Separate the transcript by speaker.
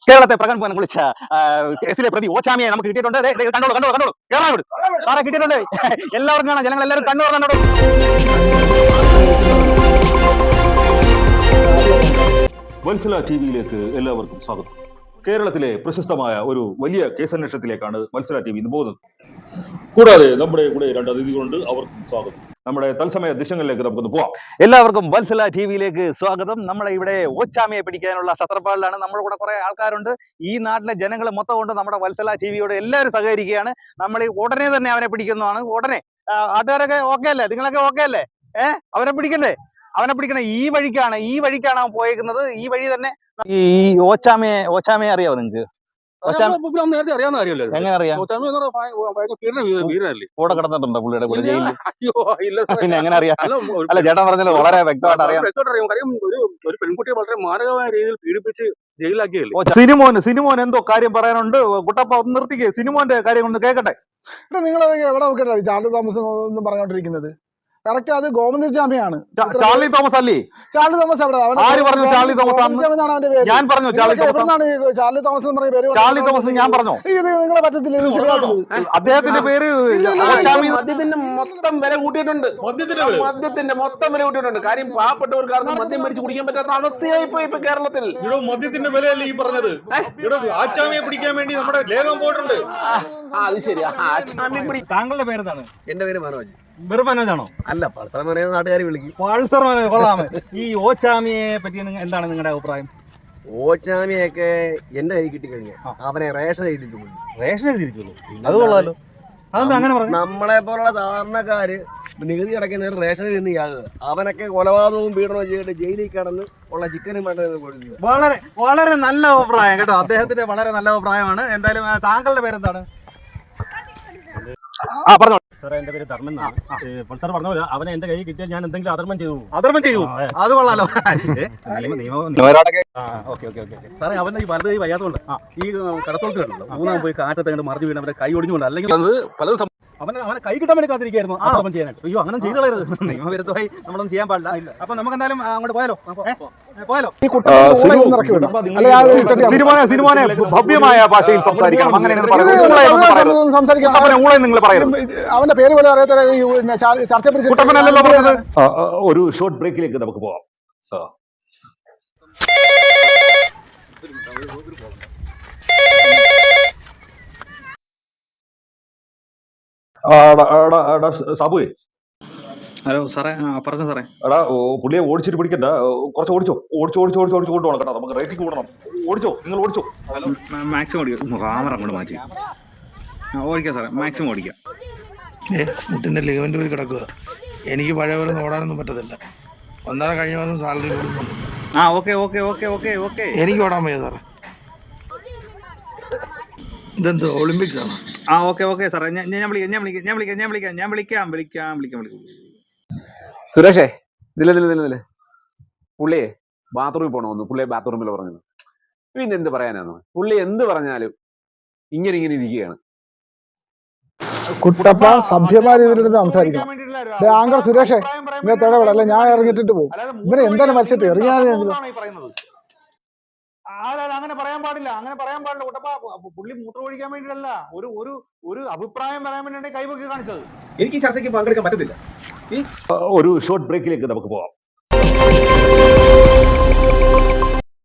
Speaker 1: കേരളത്തെ പ്രകമ്പനം കുളിച്ച കേസിലെ പ്രതി ഓച്ചാമിയെ നമുക്ക് കിട്ടിയിട്ടുണ്ട്. കണ്ടോളൂ കണ്ടോളൂ കണ്ടോളൂ, കേരളം സാറെ കിട്ടിയിട്ടുണ്ട്. എല്ലാവർക്കും കാണാം, ജനങ്ങൾ എല്ലാവരും കണ്ണു കണ്ടോളൂ.
Speaker 2: വത്സല ടിവിയിലേക്ക് എല്ലാവർക്കും സ്വാഗതം. കേരളത്തിലെ പ്രശസ്തമായ ഒരു വലിയ കേസന്വേഷണത്തിലേക്കാണ് വത്സല ടി വി ഇന്ന് പോകുന്നത്. കൂടാതെ നമ്മുടെ കൂടെ രണ്ട് അതിഥികളുണ്ട്, അവർക്കും സ്വാഗതം. നമ്മുടെ തത്സമയ ദൃശ്യങ്ങളിലേക്ക് നമുക്കൊന്ന് പോവാം.
Speaker 1: എല്ലാവർക്കും വത്സല ടിവിയിലേക്ക് സ്വാഗതം. നമ്മളെ ഇവിടെ ഓച്ചാമിയെ പിടിക്കാനുള്ള സത്രപ്പാടിലാണ്. നമ്മുടെ കൂടെ കുറെ ആൾക്കാരുണ്ട്. ഈ നാട്ടിലെ ജനങ്ങൾ മൊത്തം കൊണ്ട് നമ്മുടെ വത്സല ടിവിയോട് എല്ലാവരും സഹകരിക്കുകയാണ്. നമ്മൾ ഉടനെ തന്നെ അവനെ പിടിക്കുന്നതാണ്. ഉടനെ ആട്ടുകാരൊക്കെ ഓക്കെ അല്ലേ? നിങ്ങളൊക്കെ ഓക്കെ അല്ലേ? അവനെ പിടിക്കണ്ടേ? അവനെ പിടിക്കണേ. ഈ വഴിക്കാണ് അവൻ പോയേക്കുന്നത്. ഈ വഴി തന്നെ. ഈ ഓച്ചാമയെ അറിയാവോ നിങ്ങൾക്ക്?
Speaker 3: നേരത്തെ അറിയാവുന്ന കാര്യമല്ലേ?
Speaker 1: എങ്ങനെ അറിയാം? കൂടെ കിടന്നിട്ടുണ്ടോ പുള്ളിയുടെ കൂടെ ജയിലിൽ? പിന്നെ എങ്ങനെ അറിയാം? അല്ല, ചേട്ടൻ പറഞ്ഞല്ലോ വളരെ വ്യക്തമായിട്ട് അറിയാം.
Speaker 3: കാര്യം ഒരു പെൺകുട്ടിയെ വളരെ മാരകമായ രീതിയിൽ പീഡിപ്പിച്ച് ജയിലാക്കിയല്ലേ.
Speaker 1: സിനിമോൻ എന്തോ കാര്യം പറയാനുണ്ട്. കുട്ടപ്പ ഒന്ന് നിർത്തിക്കേ, സിനിമോന്റെ കാര്യം ഒന്ന് കേൾക്കട്ടെ.
Speaker 4: നിങ്ങളത് എവിടെ നോക്കിയിട്ടില്ല ചാർലി തോമസ് ഒന്നും പറഞ്ഞോണ്ടിരിക്കുന്നത്? കറക്റ്റ്, അത് ഗോവിന്ദചാമിയാണ്.
Speaker 1: ചാർലി തോമസ് അല്ലേ?
Speaker 4: ചാർലി തോമസ് എവിടെ?
Speaker 1: ആര് പറഞ്ഞു ചാർലി തോമസ്? ഞാൻ പറഞ്ഞു ചാർലി തോമസ്.
Speaker 4: ചാർലി തോമസ് എന്ന് പറഞ്ഞ പേര്
Speaker 1: ചാർലി തോമസ് ഞാൻ പറഞ്ഞു.
Speaker 4: ഇത് നിങ്ങളെ പറ്റത്തില്ല, ഇത് ശരിയാക്കുന്നത്.
Speaker 1: അദ്ദേഹത്തിന്റെ പേര്
Speaker 3: മദ്യത്തിന്റെ മൊത്തം വില കൂട്ടിയിട്ടുണ്ട്. മദ്യത്തിന്റെ മൊത്തം വില കൂട്ടിയിട്ടുണ്ട്. കാര്യം പാവപ്പെട്ടവർക്കാർക്ക് മദ്യം മേടിച്ച് കുടിക്കാൻ പറ്റാത്ത അവസ്ഥയായി പോയി ഇപ്പൊ കേരളത്തിൽ.
Speaker 2: ഇവിടെ മദ്യത്തിന്റെ വിലയല്ലേ ഈ പറഞ്ഞത്? ഇവിടെ ആച്ചാമിയെ പിടിക്കാൻ വേണ്ടി നമ്മുടെ ലേഖം പോയിട്ടുണ്ട്.
Speaker 3: അത് ശരിയാ.
Speaker 1: താങ്കളുടെ പേരെന്താണ്?
Speaker 3: എന്റെ പേര് മനോജ്.
Speaker 1: വെറും മനോജാണോ?
Speaker 3: അല്ല, പൾസർ പറയുന്ന നാട്ടുകാർ വിളിക്കും.
Speaker 1: പൾസർ മനോജ് കൊള്ളാമേ. ഈ ഓച്ചാമിയെ പറ്റി എന്താണ് നിങ്ങളുടെ അഭിപ്രായം?
Speaker 3: ഓച്ചാമിയൊക്കെ എന്റെ കൈ കിട്ടിക്കഴിഞ്ഞാൽ അവനെ റേഷൻ എഴുതിച്ചു.
Speaker 1: റേഷൻ എഴുതിയിരിക്കുള്ളൂ, അത് കൊള്ളാലോ. അതെന്താ അങ്ങനെ പറഞ്ഞു?
Speaker 3: നമ്മളെ പോലുള്ള സാധാരണക്കാര് നികുതി അടയ്ക്കുന്നവർ റേഷൻ എഴുതി അവനൊക്കെ കൊലപാതകവും പീഡനവും ചെയ്തിട്ട് ജയിലിൽ കിടന്ന് ഉള്ള ചിക്കനും വേണ്ടത്.
Speaker 1: വളരെ വളരെ നല്ല അഭിപ്രായം കേട്ടോ. അദ്ദേഹത്തിന്റെ വളരെ നല്ല അഭിപ്രായമാണ്. എന്തായാലും താങ്കളുടെ പേരെന്താണ്? പറഞ്ഞോ
Speaker 5: സാറേ, എന്റെ പേര് ധർമ്മൻ എന്നാണ്. പൾസർ പറഞ്ഞ പോലെ അവനെ എന്റെ കൈ കിട്ടിയാൽ ഞാൻ എന്തെങ്കിലും അധർമ്മം ചെയ്തു.
Speaker 1: അത് കൊള്ളാലോ.
Speaker 5: സാറേ, അവന്റെ ഈ വലത് കൈ വയ്യാത്തതുകൊണ്ട് ഈ കടത്തോളത്തിലുണ്ടല്ലോ, മൂന്നാം പോയി കാറ്റത്ത് കണ്ട് മറിഞ്ഞു വീണ് അവന്റെ കൈ ഒടിഞ്ഞുകൊണ്ട്, അല്ലെങ്കിൽ അത് പലതും അവനെ കൈ കിട്ടാൻ വേണ്ടി കാത്തിരിക്കായിരുന്നു അധർമ്മം ചെയ്യാനായിട്ട്.
Speaker 1: അയ്യോ, അങ്ങനെ ചെയ്തു കളയരുത്. നിയമവിരുദ്ധമായി നമ്മളൊന്നും ചെയ്യാൻ പാടില്ല. അപ്പൊ നമുക്ക് എന്തായാലും അങ്ങോട്ട് പോയാലോ? സിനിമോനെ ഭവ്യമായ ഭാഷയിൽ സംസാരിക്കണം. അങ്ങനെ
Speaker 4: അവന്റെ പേര് പോലെ അറിയാത്ത
Speaker 2: കുട്ടപ്പനല്ലല്ലോ പറഞ്ഞത്. ഒരു ഷോർട്ട് ബ്രേക്കിലേക്ക് നമുക്ക് പോവാം. സാബുവേ,
Speaker 1: ഹലോ സാറേ. പറഞ്ഞു സാറേ.
Speaker 2: എടാ, പുള്ളിയെ ഓടിച്ചിട്ട് പിടിക്കണ്ട. കുറച്ച് ഓടിച്ചു കൊണ്ടുപോകണം കേട്ടോ. നമുക്ക് റേറ്റിംഗ് കൂടണം. നിങ്ങൾ ഓടിച്ചോ.
Speaker 1: ഹലോ, മാക്സിമം ഓടിക്കും. ക്യാമറ അങ്ങോട്ട് മാറ്റി ഓടിക്കാം സാറേ. മാക്സിമം ഓടിക്കാം.
Speaker 6: മുട്ടിന്റെ ലിഗമെന്റ് പോയി കിടക്കുക. എനിക്ക് പഴയ പോലെ ഓടാനൊന്നും പറ്റത്തില്ല. ഒന്നര കഴിഞ്ഞ മാസം സാലറി കൊടുക്കുന്നുണ്ട്.
Speaker 1: ഓക്കെ.
Speaker 6: എനിക്ക് ഓടാൻ വയ്യ സാറേ. ഇതെന്തോ ഒളിമ്പിക്സ് ആണ്?
Speaker 1: ഓക്കെ സാറേ. ഞാൻ വിളിക്കാം.
Speaker 7: സുരേഷേ, ഇതിലെ പുള്ളിയെ ബാത്റൂമിൽ പോകണമെന്ന് പുള്ളിയെ ബാത്റൂമിൽ പറഞ്ഞത്. പിന്നെ എന്ത് പറയാനാണ്? പുള്ളി എന്ത് പറഞ്ഞാലും ഇങ്ങനെ ഇരിക്കുകയാണ്.
Speaker 4: കുട്ടപ്പ സഭ്യമായ രീതിയിൽ സംസാരിക്കണം. ആങ്കർ സുരേഷേ, ഇങ്ങനെ തടവിടല്ല, ഞാൻ ഇറങ്ങിട്ടിട്ട് പോകും. ഇവരെ എന്താണ് മരിച്ചിട്ട് എറിയാനെങ്കിലും
Speaker 1: അങ്ങനെ പറയാൻ പാടില്ല. കുട്ടപ്പ, പുള്ളി മൂത്രം ഒഴിക്കാൻ വേണ്ടിയിട്ടല്ല, ഒരു അഭിപ്രായം പറയാൻ വേണ്ടിയാണ് കൈവക്കി കാണിച്ചത്.
Speaker 3: എനിക്ക് ചർച്ചയ്ക്ക് പങ്കെടുക്കാൻ പറ്റത്തില്ല.
Speaker 2: ഒരു ഷോർട്ട് ബ്രേക്കിലേക്ക് നമുക്ക് പോവാം.